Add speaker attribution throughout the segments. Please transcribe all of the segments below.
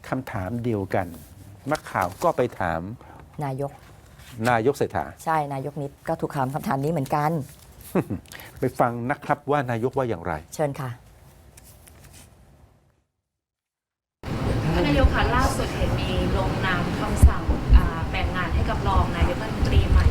Speaker 1: คำถามเดียวกันนักข่าวก็ไปถาม
Speaker 2: นายก
Speaker 1: เศรษฐา
Speaker 2: ใช่นายกนิดก็ถูกถามคำถามนี้เหมือนกัน
Speaker 1: ไปฟังนะครับว่านายกว่าอย่างไร
Speaker 2: เชิญค่ะ
Speaker 3: ท่านนายกคะล่าสุดเห็นมีลงนามคำสั่งแบ่งงานให้กับรองนายกรัฐมนตรีใหม่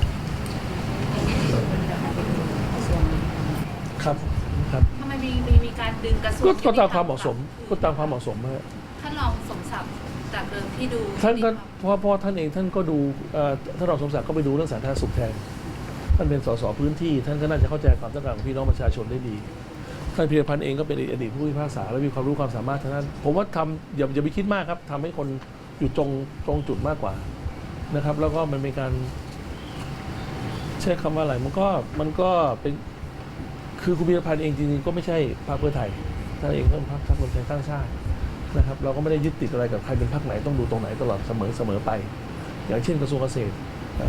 Speaker 4: ครับ
Speaker 3: ทำไมมีการดึงกระทรวง
Speaker 4: ก็ตามความเหมาะสมฮะ
Speaker 3: ท่านรองสมศักดิ์จากเดิมที่ดู
Speaker 4: ท่านก็เพราะท่านเองท่านก็ดูท่านรองสมศักดิ์ก็ไปดูเรื่องสาธารณสุขแทนท่านเป็นสสพื้นที่ท่านก็น่าจะเข้าใจความต้องการของพี่น้องประชาชนได้ดีท่านพีรพันธ์เองก็เป็นอดีตผู้พิพากษาและมีความรู้ความสามารถทางนั้นผมว่าทำอย่าไปคิดมากครับทำให้คนอยู่ตรงจุดมากกว่านะครับแล้วก็มันเป็นการใช้คำว่าอะไรมันก็เป็นคือคุณพีรพันธ์เองจริงๆก็ไม่ใช่พรรคเพื่อไทยท่านเองก็เป็นพรรครวมไทยสร้างชาตินะครับเราก็ไม่ได้ยึดติดอะไรกับใครเป็นพรรคไหนต้องดูตรงไหนตลอดเสมอไปอย่างเช่นกระทรวงเกษตร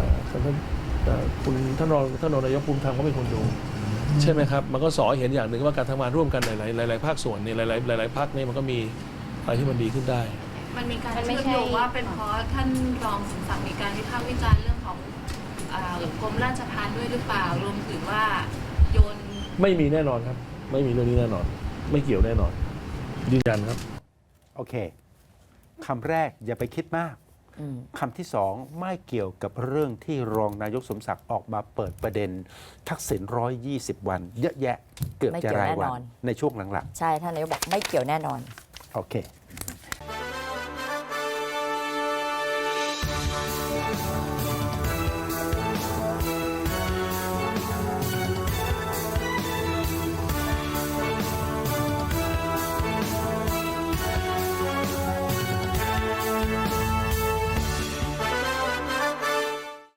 Speaker 4: ท่านรองนายกภูมิธรรมก็เป็นคนดูใช่ไหมครับมันก็สอนเห็นอย่างหนึ่งว่าการทำงานร่วมกันหลายภาคส่วนเนี่ยหลายภาคเนี่ยมันก็มีอะไรที่มันดีขึ้นได้
Speaker 3: มันมีการเชื่อมโยงว่าเป็นเพราะท่านรองสมศักดิ์มีการวิพากษ์วิจารณ์เรื่องของกรมราชทัณฑ์ด้วยหรือเปล่ารวมถึงว่าโยน
Speaker 4: ไม่มีแน่นอนครับไม่มีเรื่องนี้แน่นอนไม่เกี่ยวแน่นอนยืนยันครับ
Speaker 1: โอเคคำแรกอย่าไปคิดมากคำที่สองไม่เกี่ยวกับเรื่องที่รองนายกสมศักดิ์ออกมาเปิดประเด็นทักษิณ120 วันเยอะแยะเกือบจะรายวันในช่วงหลัง
Speaker 2: ๆใช่ท่านนายกบอกไม่เกี่ยวแน่นอน
Speaker 1: โอเค